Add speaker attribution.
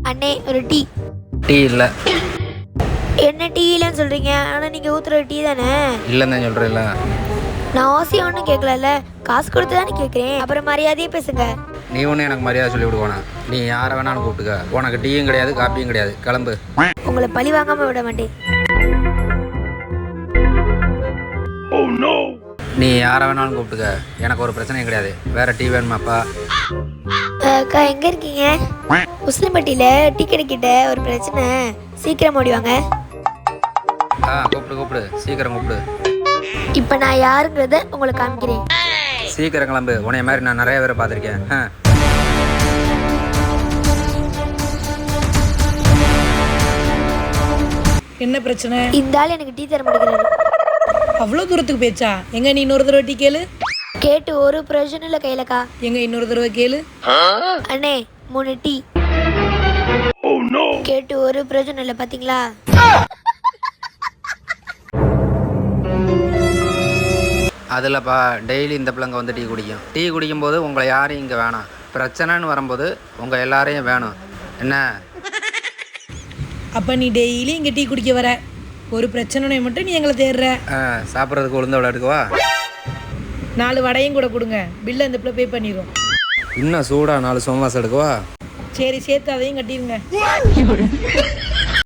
Speaker 1: அண்ணே ஒரு tea.
Speaker 2: Tea இல்லை.
Speaker 1: என்ன டீ இல்லைன்னு சொல்கிறீங்க? ஆனால் நீங்கள் ஊற்றுற டீ தானே.
Speaker 2: இல்லைன்னு தான் சொல்கிறேன்ல.
Speaker 1: நான் ஆசையாக ஒன்றும் கேட்கல, காசு கொடுத்து தானே கேட்குறேன். அப்புறம் மரியாதையே பேசுங்க.
Speaker 2: நீ ஒன்றும் எனக்கு மரியாதை சொல்லி விடுவானா? நீ யாரை வேணாலும் கூப்பிட்டுக்க. உனக்கு டீயும் கிடையாது காப்பியும் கிடையாது. கிளம்பு.
Speaker 1: உங்களை பழி வாங்காமல் விட மாட்டேன்.
Speaker 2: நீ யாரை வேணாலும் கூப்பிட்டுக்க. எனக்கு ஒரு பிரச்சனையும் கிடையாது. வேற டீ வேணுமாப்பா?
Speaker 1: அக்கா எங்கே இருக்கீங்க? உசிலம்பட்டியில் டீ கிடைக்கிட்ட ஒரு பிரச்சனை, சீக்கிரம் ஓடிவாங்க.
Speaker 2: கூப்பிடு சீக்கிரம் கூப்பிடு.
Speaker 1: இப்போ நான் யாருங்கிறத உங்களுக்கு காமிக்கிறேன்.
Speaker 2: சீக்கிரம் கிளம்பு. உன்னைய மாதிரி நான் நிறைய பேரை பார்த்துருக்கேன்.
Speaker 3: என்ன பிரச்சனை?
Speaker 1: இந்த ஆள் எனக்கு டீ தர மாட்டேங்கிறாரு.
Speaker 3: அவ்வளோ தூரத்துக்கு பேச்சா? எங்க நீ இன்னொரு தடவை டீ கேளு.
Speaker 1: கேட்டு ஒரு பிரயோஜனம் இல்லை கையிலக்கா.
Speaker 3: எங்க இன்னொரு தடவை கேளு.
Speaker 1: அண்ணே 3 டீ. கேட்டு ஒரு பிரயோஜனம் இல்லை பார்த்தீங்களா?
Speaker 2: அதில்ப்பா டெய்லி இந்த பிள்ளைங்க வந்து டீ குடிக்கும். டீ குடிக்கும்போது உங்களை யாரையும் இங்கே வேணாம். பிரச்சனைன்னு வரும்போது உங்கள் எல்லாரையும் வேணும். என்ன?
Speaker 3: அப்போ நீ டெய்லி இங்கே டீ குடிக்க வர, ஒரு பிரச்சனை மட்டும் நீ எங்களை தேடுற.
Speaker 2: சாப்பிட்றதுக்கு உளுந்த வடை எடுக்கவா?
Speaker 3: 4 வடையும் கூட கொடுங்க, பில்லை இந்த பிள்ளை பே பண்ணிடும்.
Speaker 2: இன்னும் சூடாக 4 சோமாசம் எடுக்கவா?
Speaker 3: சரி சேர்த்து அதையும் கட்டிடுங்க.